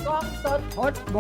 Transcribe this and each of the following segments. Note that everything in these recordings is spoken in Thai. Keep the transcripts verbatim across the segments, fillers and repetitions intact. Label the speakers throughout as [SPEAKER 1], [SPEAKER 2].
[SPEAKER 1] กล้องสด
[SPEAKER 2] พดบู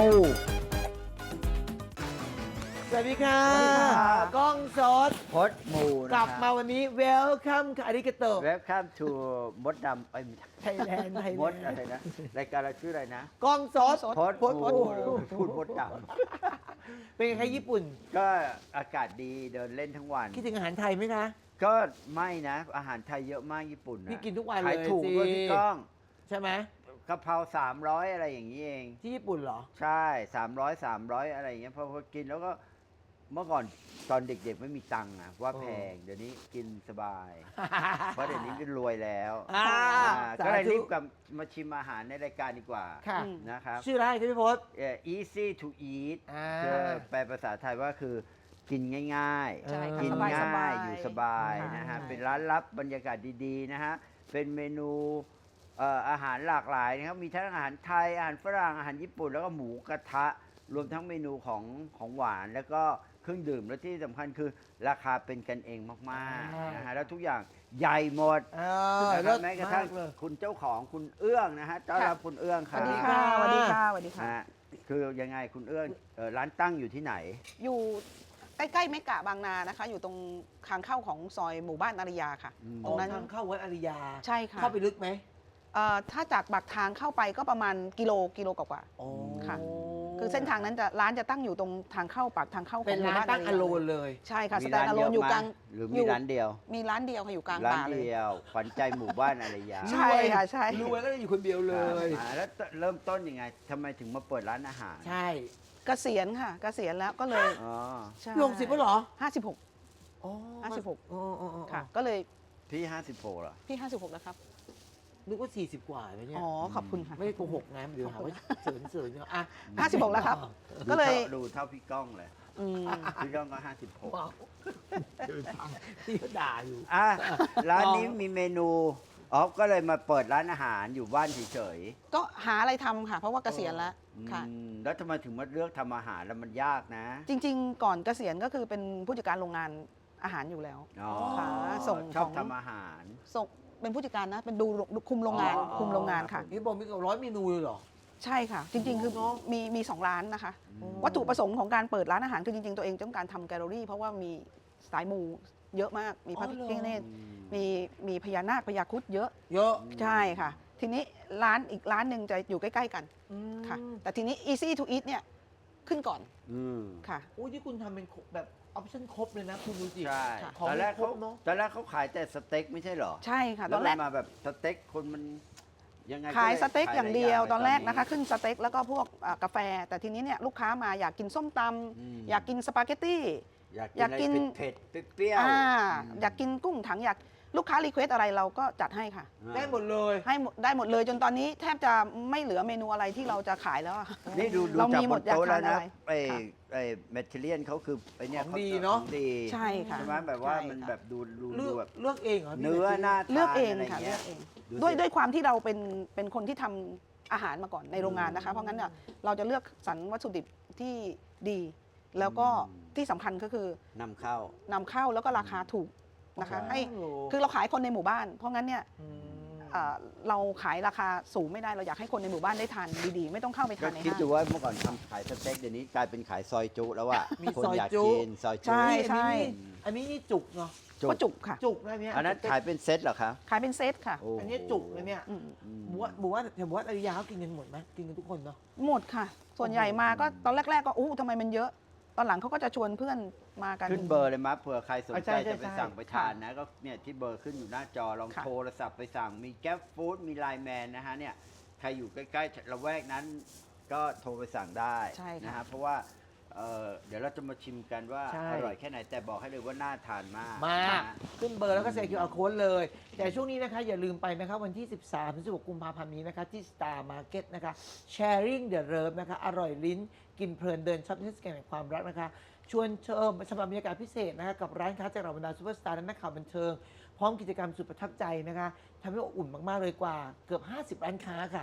[SPEAKER 1] สวัสดีค่ะ
[SPEAKER 2] สวัสดีค่ะ
[SPEAKER 1] กล้องสด
[SPEAKER 2] พดบูนะ
[SPEAKER 1] กลับมาวันนี้ welcome ค่ะอาริกาโต
[SPEAKER 2] เว็บข้ามทูมดดำไอ้ยไม่ใช่
[SPEAKER 1] ไทยแลนด์ไทย
[SPEAKER 2] มด
[SPEAKER 1] แล
[SPEAKER 2] อะ
[SPEAKER 1] น
[SPEAKER 2] ไร
[SPEAKER 1] ด์
[SPEAKER 2] นะรายการเราชื่ออะไรนะ
[SPEAKER 1] กล้องสด
[SPEAKER 2] พด
[SPEAKER 1] พด
[SPEAKER 2] บู
[SPEAKER 1] บู
[SPEAKER 2] พูดมดด
[SPEAKER 1] เป็นไงคะญี่ปุ่น
[SPEAKER 2] ำก็อากาศดีเดินเล่นทั้งวัน
[SPEAKER 1] คิดถึงอาหารไทยไหมคะ
[SPEAKER 2] ก็ไม่นะ อาหารไทยเยอะมากญี่ปุ่นนะ
[SPEAKER 1] พี่กินทุกวันเลย
[SPEAKER 2] ขายถูกด้วย
[SPEAKER 1] สิ
[SPEAKER 2] พี่ก้อง
[SPEAKER 1] ใช่ไหม
[SPEAKER 2] กะเพราสามร้อยอะไรอย่างนี้เอง
[SPEAKER 1] ที่ญี่ปุ่นเหรอ
[SPEAKER 2] ใช่สามร้อยสามร้อยอะไรอย่างเงี้ยพอพอกินแล้วก็เมื่อก่อนตอนเด็กๆไม่มีตังค์อะว่าแพงเดี๋ยวนี้กินสบาย เพราะเดี๋ยวนี้ก็รวยแล้ว
[SPEAKER 1] อ่า
[SPEAKER 2] อ่าก็เลย
[SPEAKER 1] สาธุ
[SPEAKER 2] รีบกลับมาชิมอาหารในรายการดีกว่า
[SPEAKER 1] ค่ะ
[SPEAKER 2] นะครับ
[SPEAKER 1] ชื่ออะไรคะพี่พศ
[SPEAKER 2] เอ่อ easy to eat
[SPEAKER 1] อ่า
[SPEAKER 2] คือแปลภาษาไทยว่าคือกินง่าย
[SPEAKER 1] ใช่ค่ะ
[SPEAKER 2] กิน
[SPEAKER 3] สบายๆ
[SPEAKER 2] ง่ายอยู่สบาย
[SPEAKER 1] ค่ะ
[SPEAKER 2] นะฮะ
[SPEAKER 3] ใช่
[SPEAKER 2] เป็นร้านลับบรรยากาศดีๆนะฮะเป็นเมนูเอ่ออาหารหลากหลายนะครับมีทั้งอาหารไทยอาหารฝรั่งอาหารญี่ปุ่นแล้วก็หมูกระทะ รวมทั้งเมนูของของหวานแล้วก็เครื่องดื่มและที่สำคัญคือราคาเป็นกันเองมากๆนะฮะแล้วทุกอย่างใหญ่หมด
[SPEAKER 1] เออ
[SPEAKER 2] นะค
[SPEAKER 1] เลิ
[SPEAKER 2] รับ
[SPEAKER 1] ศ
[SPEAKER 2] แม้กระ
[SPEAKER 1] มา
[SPEAKER 2] ทั่ง
[SPEAKER 1] กเลย
[SPEAKER 2] คุณเจ้าของคุณเอื้องนะฮะต้อนรับคุณเอื้องค
[SPEAKER 3] ส
[SPEAKER 2] รับ
[SPEAKER 3] วัสดี
[SPEAKER 1] ค่ะ
[SPEAKER 3] ค่ะสวัสดีค่ะสวัสดีค่ะ
[SPEAKER 2] นะฮะคือยังไงคุณเอื้องเอ่อร้านตั้งอยู่ที่ไหน
[SPEAKER 3] อยู่ใกล้ๆเมกะบางนานะคะ อยู่ตรงทางเข้าของซอยหมู่บ้านอาริยาค่ะ
[SPEAKER 2] อืม
[SPEAKER 3] ตรงนั้น
[SPEAKER 1] ทางเข้าวัดอาริยา
[SPEAKER 3] ใช่ค่ะ
[SPEAKER 1] เข้าไปลึกไหม
[SPEAKER 3] เอ่อถ้าจากปากทางเข้าไปก็ประมาณกิโลกิโลกว่า
[SPEAKER 1] โอ้
[SPEAKER 3] ค่ะ ๆคือเส้นทางนั้นจะร้านจะตั้งอยู่ตรงทางเข้าปากทางเข้าข
[SPEAKER 1] เป็
[SPEAKER 3] อน งห
[SPEAKER 1] ร้า
[SPEAKER 3] มู่
[SPEAKER 1] น
[SPEAKER 3] บ้าน
[SPEAKER 1] ตั้งอโลน
[SPEAKER 3] ย
[SPEAKER 1] เลย
[SPEAKER 3] ใช่ค่ะ
[SPEAKER 2] มี
[SPEAKER 3] สแตนอะโลนอยู่กลาง
[SPEAKER 2] หรือ
[SPEAKER 3] อ
[SPEAKER 2] มี
[SPEAKER 3] ยู่
[SPEAKER 2] ร้านเดียว
[SPEAKER 3] มีร้านเดียวค่ะอยู่กลาง
[SPEAKER 2] ร้าน
[SPEAKER 3] ป่าเลย
[SPEAKER 2] เดียวขวัญใจหมู่บ้านอะไรยา
[SPEAKER 3] ใช่ค่ะใช่
[SPEAKER 1] รวยก็เลยอยู่คนเดียวเลย
[SPEAKER 2] อ่าแล้วเริ่มต้นยังไงทำไมถึงมาเปิดร้านอาหาร
[SPEAKER 1] ใช่
[SPEAKER 3] เกษียณค่ะเกษียณแล้วก็เลย
[SPEAKER 2] อ๋อ
[SPEAKER 3] ใช่
[SPEAKER 1] ลงสิบแล้วเหรอ
[SPEAKER 3] ห้าสิบหก
[SPEAKER 1] อ๋อ
[SPEAKER 3] ห้าสิบหก
[SPEAKER 1] อ๋ออ๋ออ๋อ
[SPEAKER 3] ค่ะ ก็เลย
[SPEAKER 2] พี่ห้าสิบโปรเหรอ
[SPEAKER 3] พี่ห้าสิบหกแล้วครับ
[SPEAKER 1] นึกว่าสี่สิบกว่าไหมเนี่ย
[SPEAKER 3] อ๋อขอบคุณค่ะ
[SPEAKER 1] ไม่ได้โกหกนะเดี๋ยวหาว่าเสริญเสริญอ่ะ
[SPEAKER 3] ห้าสิบหกแล้วครับ ก็เลย
[SPEAKER 2] ดูเท่าพี่ก้องเลย
[SPEAKER 3] อืม
[SPEAKER 2] พี่ก้องก็ห้าสิบหก
[SPEAKER 1] ว้าวเดินทางที่เขาด่าอยู่
[SPEAKER 2] อ่ะร้านนี้
[SPEAKER 1] อ๋อ
[SPEAKER 2] มีเมนูอ๋อก็เลยมาเปิดร้านอาหารอยู่บ้านเฉย
[SPEAKER 3] ก็หาอะไรทำค่ะ เพราะว่าเกษียณแล้ว
[SPEAKER 2] ๆ
[SPEAKER 3] ค่ะ
[SPEAKER 2] อืมแล้วทำไมถึงมาเลือกทำอาหารแล้วมันยากนะ
[SPEAKER 3] จริง ๆ ก่อนเกษียณก็คือเป็นผู้จัดการโรงงานอาหารอยู่แล้ว
[SPEAKER 2] อ๋อ
[SPEAKER 3] ค่ะส่ง
[SPEAKER 2] ชอบ
[SPEAKER 3] ของ
[SPEAKER 2] ทำอาหาร
[SPEAKER 3] ส่งเป็นผู้จัดการนะเป็นดูดูคุมโรงงาน
[SPEAKER 2] อ๋อ
[SPEAKER 3] คุมโรงงานค่ะ
[SPEAKER 1] นี่บอกมีเกับร้อยเมนูเลยเหรอ
[SPEAKER 3] ใช่ค่ะ จริง ๆ คือ
[SPEAKER 1] เนอะ
[SPEAKER 3] มีมีสองร้านนะคะ
[SPEAKER 2] อืม
[SPEAKER 3] วัตถุประสงค์ของการเปิดร้านอาหารคือจริง ๆ ตัวเองต้องการทำแกลเลอรี่ เพราะว่ามีสายมูเยอะมากมีพระพิฆเนศ
[SPEAKER 2] อืม
[SPEAKER 3] มีมีพญานาคพญาครุฑเยอะ
[SPEAKER 1] เยอะ
[SPEAKER 3] ใช่ค่ะ ทีนี้ร้านอีกร้านหนึ่งจะอยู่ใกล้ ๆ กัน
[SPEAKER 1] อืม
[SPEAKER 3] ค่ะ แต่ทีนี้ easy to eat เนี่ยขึ้นก่อน
[SPEAKER 2] อืม
[SPEAKER 3] ค่ะ
[SPEAKER 1] โอ้ยที่คุณทำเป็นแบบออปชั่นครบเลยนะ คุณดูสิ
[SPEAKER 2] ใช่
[SPEAKER 3] ค่ะ
[SPEAKER 1] ของ
[SPEAKER 2] ตอนแรก
[SPEAKER 1] คร
[SPEAKER 2] เขา
[SPEAKER 1] บเนอะ
[SPEAKER 2] ตอนแรกเขาขายแต่สเต็กไม่ใช่เหรอ
[SPEAKER 3] ใช่ค่ะ ต
[SPEAKER 2] แล้
[SPEAKER 3] อ
[SPEAKER 2] วน
[SPEAKER 3] แรก
[SPEAKER 2] มาแบบสเต็กคนมันยังไง
[SPEAKER 3] ขาย
[SPEAKER 2] ล
[SPEAKER 3] สเต็ก
[SPEAKER 2] ข
[SPEAKER 3] อย่างเดียว
[SPEAKER 2] หล
[SPEAKER 3] ตอนแรกนะคะ ขึ้นสเต็กแล้วก็พวกอ่ากาแฟ แต่ทีนี้เนี่ยลูกค้ามาอยากกินส้มต
[SPEAKER 2] อืม
[SPEAKER 3] ำอยากกินสปาเกตตี้
[SPEAKER 2] อยาก
[SPEAKER 3] อยากกิ
[SPEAKER 2] กิน
[SPEAKER 3] น
[SPEAKER 2] อะไรเผ็ดๆเปรี้ยวๆ
[SPEAKER 3] อ่า
[SPEAKER 2] ม
[SPEAKER 3] อยากกินกุ้งถังอยากลูกค้ารีเควสอะไรเราก็จัดให้ค่ะ
[SPEAKER 2] อ่า
[SPEAKER 1] ได้หมดเลย
[SPEAKER 3] ให้หมดได้หมดเลยจนตอนนี้แทบจะไม่เหลือเมนูอะไรที่เราจะขายแล้วอะ
[SPEAKER 2] นี่ดูดู
[SPEAKER 3] เรา
[SPEAKER 2] จาก
[SPEAKER 3] มี
[SPEAKER 2] บ
[SPEAKER 3] หม
[SPEAKER 2] น
[SPEAKER 3] ดอยาก
[SPEAKER 2] โต๊ะแล้ว
[SPEAKER 3] ทาน
[SPEAKER 2] นะ
[SPEAKER 3] อะไร
[SPEAKER 2] ไอ้
[SPEAKER 3] ค่ะ
[SPEAKER 2] ไอ้แมทเทเรียนเขาคือไอ้เนี่ย
[SPEAKER 1] ของ
[SPEAKER 2] ข
[SPEAKER 1] ดีเนอะ
[SPEAKER 2] ของดี
[SPEAKER 3] ใช่ค่ะ
[SPEAKER 2] ใช่ไหมแบบว่า
[SPEAKER 3] ใช่
[SPEAKER 2] มัน
[SPEAKER 3] ค่ะ
[SPEAKER 2] แบบดูดู
[SPEAKER 1] เลื
[SPEAKER 2] ดู
[SPEAKER 1] อก
[SPEAKER 2] แบบ
[SPEAKER 1] เลือกเองเหรอพี่
[SPEAKER 2] เนื้อหน้า
[SPEAKER 3] เลือกเอง
[SPEAKER 2] ทาน
[SPEAKER 3] ค่ะ
[SPEAKER 2] อะไร
[SPEAKER 3] เลื
[SPEAKER 2] เงี้
[SPEAKER 3] อย กเอง
[SPEAKER 2] ดูสิ
[SPEAKER 3] ด้วยด้วยความที่เราเป็นเป็นคนที่ทำอาหารมาก่อนในโรงงานนะคะ เพราะงั้นเนี่ยเราจะเลือกสรรวัตถุดิบที่ดี แล้วก็
[SPEAKER 2] อืม
[SPEAKER 3] ที่สำคัญก็คือน
[SPEAKER 2] ำเข้าน
[SPEAKER 3] ำเข้าแล้วก็ราคาถูกนะคะ
[SPEAKER 2] ใช่
[SPEAKER 3] ให้
[SPEAKER 1] โอ้โห
[SPEAKER 3] คือเราขายคนในหมู่บ้าน เพราะงั้นเนี่ย
[SPEAKER 1] ม
[SPEAKER 3] เอ่อเราขายราคาสูงไม่ได้เราอยากให้คนในหมู่บ้านได้ทานดีๆ ไม่ต้องเข้าไป
[SPEAKER 2] ก็
[SPEAKER 3] ทานใน
[SPEAKER 2] คิด
[SPEAKER 3] ห้าง
[SPEAKER 2] ดูว่าเมื่อก่อนทำขายสเต็กเดี๋ยวนี้กลายเป็นขายซอยจุแล้วอ่ะ
[SPEAKER 1] มี
[SPEAKER 2] คน
[SPEAKER 1] ซอย
[SPEAKER 2] อยาก
[SPEAKER 1] จุ
[SPEAKER 2] กินซอยจุ
[SPEAKER 3] ใช่
[SPEAKER 1] อันนี้นี่อันนี้นี่จุกเนาะ
[SPEAKER 3] ก็จุกค่ะ
[SPEAKER 1] จุกนะเนี่ย
[SPEAKER 2] อันนั้นขายเป็นเซตเหรอคะ
[SPEAKER 3] ขายเป็นเซตค่ะ
[SPEAKER 2] โอ้โห
[SPEAKER 1] อันนี้จุกเลยเนี่ย
[SPEAKER 3] อืม
[SPEAKER 2] อืม
[SPEAKER 1] บัวบัวแต่บัวอริยาเขากินกันหมดไหมกินกันทุกคนเนาะ
[SPEAKER 3] หมดค่ะ ส่วนใหญ่มาก็ตอนแรก ๆ ก็อู้ทำไมมันเยอะ ตอนหลังเขาก็จะชวนเพื่อนมากัน
[SPEAKER 2] ขึ้นเบอร์เลยมั้ยเผื่อใครสน
[SPEAKER 1] อ่ะ
[SPEAKER 2] ใจ
[SPEAKER 1] ใช่ใช่
[SPEAKER 2] จะไป
[SPEAKER 1] ใช่
[SPEAKER 2] สั่งไปทานนะก็เนี่ยที่เบอร์ขึ้นอยู่หน้าจอลอง
[SPEAKER 3] ค่ะ
[SPEAKER 2] โทรศัพท์ไปสั่งมีแก๊ปฟู้ดมีไลน์แมนนะฮะเนี่ยใครอยู่ใกล้ๆละแวกนั้นก็โทรไปสั่งได้
[SPEAKER 3] ใช่ค่ะ
[SPEAKER 2] นะฮะเพราะว่าเอ่อเดี๋ยวเราจะมาชิมกันว่า
[SPEAKER 1] ใช่
[SPEAKER 2] อร่อยแค่ไหนแต่บอกให้เลยว่าน่าทานมาก
[SPEAKER 1] มาก
[SPEAKER 2] นะฮะ
[SPEAKER 1] ขึ้นเบอร์แล้วก็ใส่ คิว อาร์ Code เลย แต่ช่วงนี้นะคะอย่าลืมไปนะคะวันที่ สิบสามถึงสิบหก กุมภาพันธ์นี้นะคะที่ Star Market นะคะ Sharing the Love นะคะอร่อยลิ้นกินเพลินเดินช็อปเทศกาลแห่งความรักนะคะ ชวนเชิญสำหรับบรรยากาศพิเศษนะคะกับร้านค้าจากเหล่าบรรดาซูเปอร์สตาร์และนักข่าวบันเทิง พร้อมกิจกรรมสุดประทับใจนะคะทำให้อบอุ่นมาก ๆ เลยกว่าเกือบ ห้าสิบ ร้านค้าค่ะ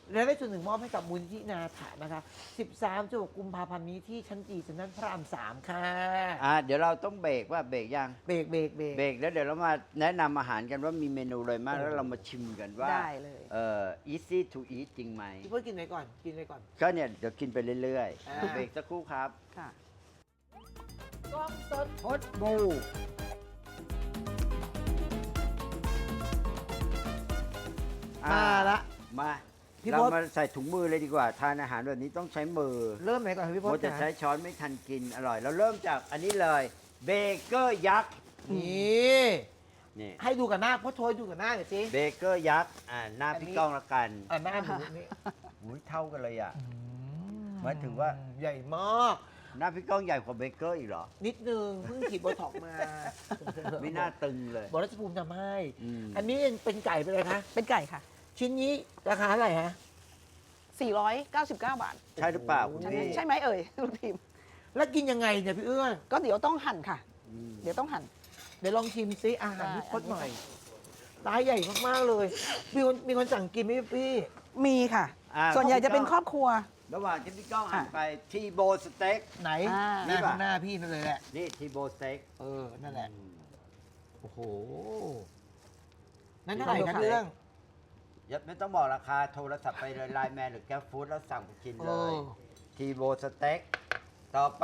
[SPEAKER 1] และได้ส่วนหนึ่งมอบให้กับมูลที่นาถานะคะ สิบสาม กุมภาพันธ์นี้ที่ชั้นจีเซ็นทรัลพระรามสามค่ะ
[SPEAKER 2] อ่าเดี๋ยวเราต้องเบรกว่าเบรกยัง
[SPEAKER 1] เบรกเบรกเบรก
[SPEAKER 2] เบรกแล้วเดี๋ยวเรามาแนะนำอาหารกันว่ามีเมนูอะไรมากแล้วเรามาชิมกันว่า
[SPEAKER 3] ได้เลย
[SPEAKER 2] เอ่อ easy to eat จริงไหม
[SPEAKER 1] พี่เพื่อกินไหนก่อน กินไหนก่อน
[SPEAKER 2] ก็เนี่ยเดี๋ยวกินไปเรื่อย
[SPEAKER 1] อ่า
[SPEAKER 2] ๆเบรกสักครู่ครับ
[SPEAKER 3] ค่ะ
[SPEAKER 1] กล้องสด
[SPEAKER 2] พดบู
[SPEAKER 1] มาละ
[SPEAKER 2] มา
[SPEAKER 1] พี่
[SPEAKER 2] เรา
[SPEAKER 1] พศ
[SPEAKER 2] มาใส่ถุงมือเลยดีกว่า ทานอาหารแบบนี้ต้องใช้มือ
[SPEAKER 1] เริ่มไหนก่อนพี่พ
[SPEAKER 2] โม
[SPEAKER 1] ศ
[SPEAKER 2] จะ
[SPEAKER 1] จ๋า
[SPEAKER 2] ใช้ช้อนไม่ทันกินอร่อย เราเริ่มจากอันนี้เลยเบเกอร์ยักษ์
[SPEAKER 1] นี่
[SPEAKER 2] นี่
[SPEAKER 1] ให้ดูกับหน้าพ่อโทยดูกับหน้าหน่อยสิ
[SPEAKER 2] เบเกอร์ยักษ์อ่าหน้า
[SPEAKER 1] อันนี้
[SPEAKER 2] พี่ก้องละกัน
[SPEAKER 1] อ่าหน้าหมูนี่
[SPEAKER 2] อุ้ยเท่ากันเลยอ่ะ หมายถึงว่า
[SPEAKER 1] ใหญ่มาก
[SPEAKER 2] หน้าพี่ก้องใหญ่กว่าเบเกอร์อีกเหรอ
[SPEAKER 1] นิดนึงเพิ่งฉีดโบท็อกซ์มา
[SPEAKER 2] ไม่น่าตึงเลย
[SPEAKER 1] บอกรัชภูมิทำให้
[SPEAKER 2] อืม
[SPEAKER 1] อันนี้เป็นไก่ไปเลยคะ
[SPEAKER 3] เป็นไก่ค่ะ
[SPEAKER 1] ชิ้นนี้ราคาเท่าไหร่ฮะ
[SPEAKER 3] สี่ร้อยเก้าสิบเก้า บาท
[SPEAKER 2] ใช่หรือเปล่าคุณ
[SPEAKER 3] ใช่ไหม
[SPEAKER 2] พี่
[SPEAKER 3] ใช่ไหมเอ่ยลูกทีม
[SPEAKER 1] แล้วกินยังไงเนี่ยพี่เอื้อน
[SPEAKER 3] ก็เดี๋ยวต้องหั่นค่ะ
[SPEAKER 2] อืม
[SPEAKER 3] เดี๋ยวต้องหั่น
[SPEAKER 1] เดี๋ยวลองชิมซิอาหาร
[SPEAKER 3] ได้
[SPEAKER 1] พี่พดหน่อยร้ายใหญ่มากๆเลย มีคนมีคนสั่งกินไหมพี่
[SPEAKER 3] มีค่ะ
[SPEAKER 2] อ่า
[SPEAKER 3] ส่วนใหญ่จะเป็นครอบครัว
[SPEAKER 2] ระหว่างที่พี่ก้องอ่าน
[SPEAKER 3] อ่ะ
[SPEAKER 2] ไปทีโบสเต็ก
[SPEAKER 1] ไหน
[SPEAKER 3] อ่า
[SPEAKER 1] หน้าข้างหน้าพี่นั่นเลยแหละ
[SPEAKER 2] นี่ทีโบสเต็ก
[SPEAKER 1] เออ นั่นแหละ
[SPEAKER 2] อืม
[SPEAKER 1] โอ้โห นั่นเท่าไหร่ครับพี่เรื่อง
[SPEAKER 2] อย่าไม่ต้องบอกราคาโทรศัพท์ไปเลยไลน์แมนหรือแกร็บฟู้ดแล้วสั่งไปกินเลย
[SPEAKER 1] โอ้
[SPEAKER 2] ทีโบสเต็กต่อไป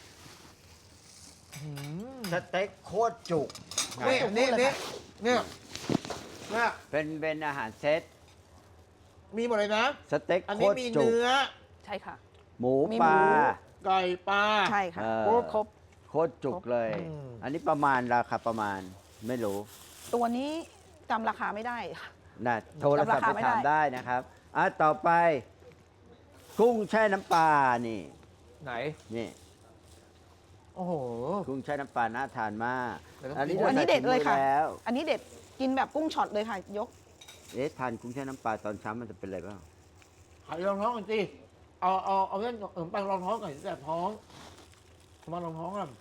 [SPEAKER 1] อืม
[SPEAKER 2] สเต็กโคตรจุก
[SPEAKER 1] นี่
[SPEAKER 3] จุก
[SPEAKER 1] นี่
[SPEAKER 3] เลย
[SPEAKER 1] นี่
[SPEAKER 3] ค่ะ
[SPEAKER 1] เนี่ยเนี่ย
[SPEAKER 2] เป็นเป็นอาหารเซต
[SPEAKER 1] มีหมดเลยนะ
[SPEAKER 2] สเต็ก
[SPEAKER 1] อัน
[SPEAKER 2] โค
[SPEAKER 1] นี้
[SPEAKER 2] ตร
[SPEAKER 1] มี
[SPEAKER 2] จุก
[SPEAKER 1] เนื้อ
[SPEAKER 3] ใช่ค่ะ
[SPEAKER 2] หมู
[SPEAKER 3] มี
[SPEAKER 2] ปลา
[SPEAKER 3] หมู
[SPEAKER 1] ไก่ปลา
[SPEAKER 3] ใช่ค่ะ
[SPEAKER 2] เออ
[SPEAKER 3] โอ้ครบ
[SPEAKER 2] โคตรจุกเลย
[SPEAKER 1] อืม
[SPEAKER 2] อันนี้ประมาณราคาประมาณไม่รู้
[SPEAKER 3] ตัวนี้จำราคาไม่ได้
[SPEAKER 2] นะโทรศัพท์
[SPEAKER 3] จำราคา
[SPEAKER 2] ไป
[SPEAKER 3] ไม่
[SPEAKER 2] ถาม
[SPEAKER 3] ได้
[SPEAKER 2] ได้นะครับอ่ะต่อไป กุ้งแช่น้ำปลานี่
[SPEAKER 1] ไหน
[SPEAKER 2] นี่
[SPEAKER 1] โอ้โห
[SPEAKER 2] กุ้งแช่น้ำปลาน่าทานมาก
[SPEAKER 1] เดี๋ยวต้อง
[SPEAKER 2] อันนี้
[SPEAKER 1] กิน
[SPEAKER 3] อันนี้เด็ดเลยค่ะ
[SPEAKER 2] ใส่ถุงมือแล้ว
[SPEAKER 3] อันนี้เด็ดกินแบบกุ้งช็อตเลยค่ะ ยก
[SPEAKER 2] เอ๊ะทานกุ้งแช่น้ำปลาตอนเช้ามันจะเป็นอะไรบ้าง
[SPEAKER 1] ขายรองท้องก่อนสิเอาเอาเอาเล่นเออปังรองท้องก่อนแต่ท้องมารองท้องก่อน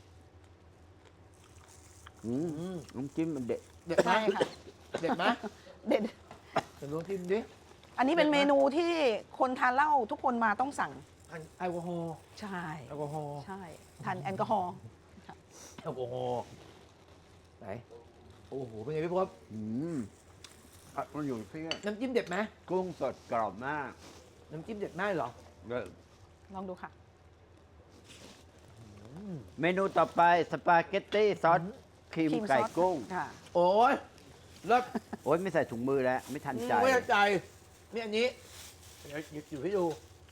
[SPEAKER 2] อืม
[SPEAKER 1] อืม
[SPEAKER 2] น้ำจิ้มมันเด็ด
[SPEAKER 1] เด็ดไหม
[SPEAKER 3] ใช่ค่ะ
[SPEAKER 1] เด็ดไหม
[SPEAKER 3] เด็ด
[SPEAKER 1] เดี๋ยวลองชิมดิ
[SPEAKER 3] อันนี้เป็น
[SPEAKER 1] เด็ดไหม
[SPEAKER 3] เมนูที่คนทานเหล้าทุกคนมาต้องสั่ง
[SPEAKER 1] อันแอลกอฮอล์
[SPEAKER 3] ใช่
[SPEAKER 1] แอลกอฮอล์
[SPEAKER 3] ใช่ทานแอลกอฮอล์
[SPEAKER 1] แอลกอฮอล์ไหนโอ้โหเป็นไงพี่พศ
[SPEAKER 2] อืมอ่ะมันอยู่ที่
[SPEAKER 1] น้ำจิ้มเด็ดไหม
[SPEAKER 2] กุ้งสดกรอบมาก
[SPEAKER 1] น้ำจิ้มเด็ดมากเหรอ
[SPEAKER 2] เด้อ
[SPEAKER 3] ลองดูค่ะ
[SPEAKER 1] อืม
[SPEAKER 2] เมนูต่อไปสปาเกตตี้ซอสครีม
[SPEAKER 3] ครีม
[SPEAKER 2] ไก่
[SPEAKER 3] ซอส
[SPEAKER 2] กุ้ง
[SPEAKER 3] ค่ะ
[SPEAKER 1] โอ้ยเลิศ
[SPEAKER 2] โอ๊ยไม่ใส่ถุงมือแล้ว ไม่ทันใจ
[SPEAKER 1] ไม่เข้าใจนี่อันนี้เดี๋ยวหยิบอยู่ให้ดู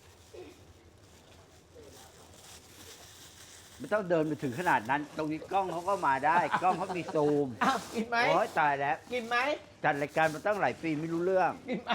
[SPEAKER 2] ไม่ต้องเดินไปถึงขนาดนั้น ตรงนี้กล้องเขาก็มาได้ กล้องเขามีซูม
[SPEAKER 1] อ้าวกินไหม
[SPEAKER 2] โอ้ยตายแล้ว
[SPEAKER 1] กินไหม
[SPEAKER 2] จัดรายการมาตั้งหลายปีไม่รู้เรื่อง
[SPEAKER 1] กินไหม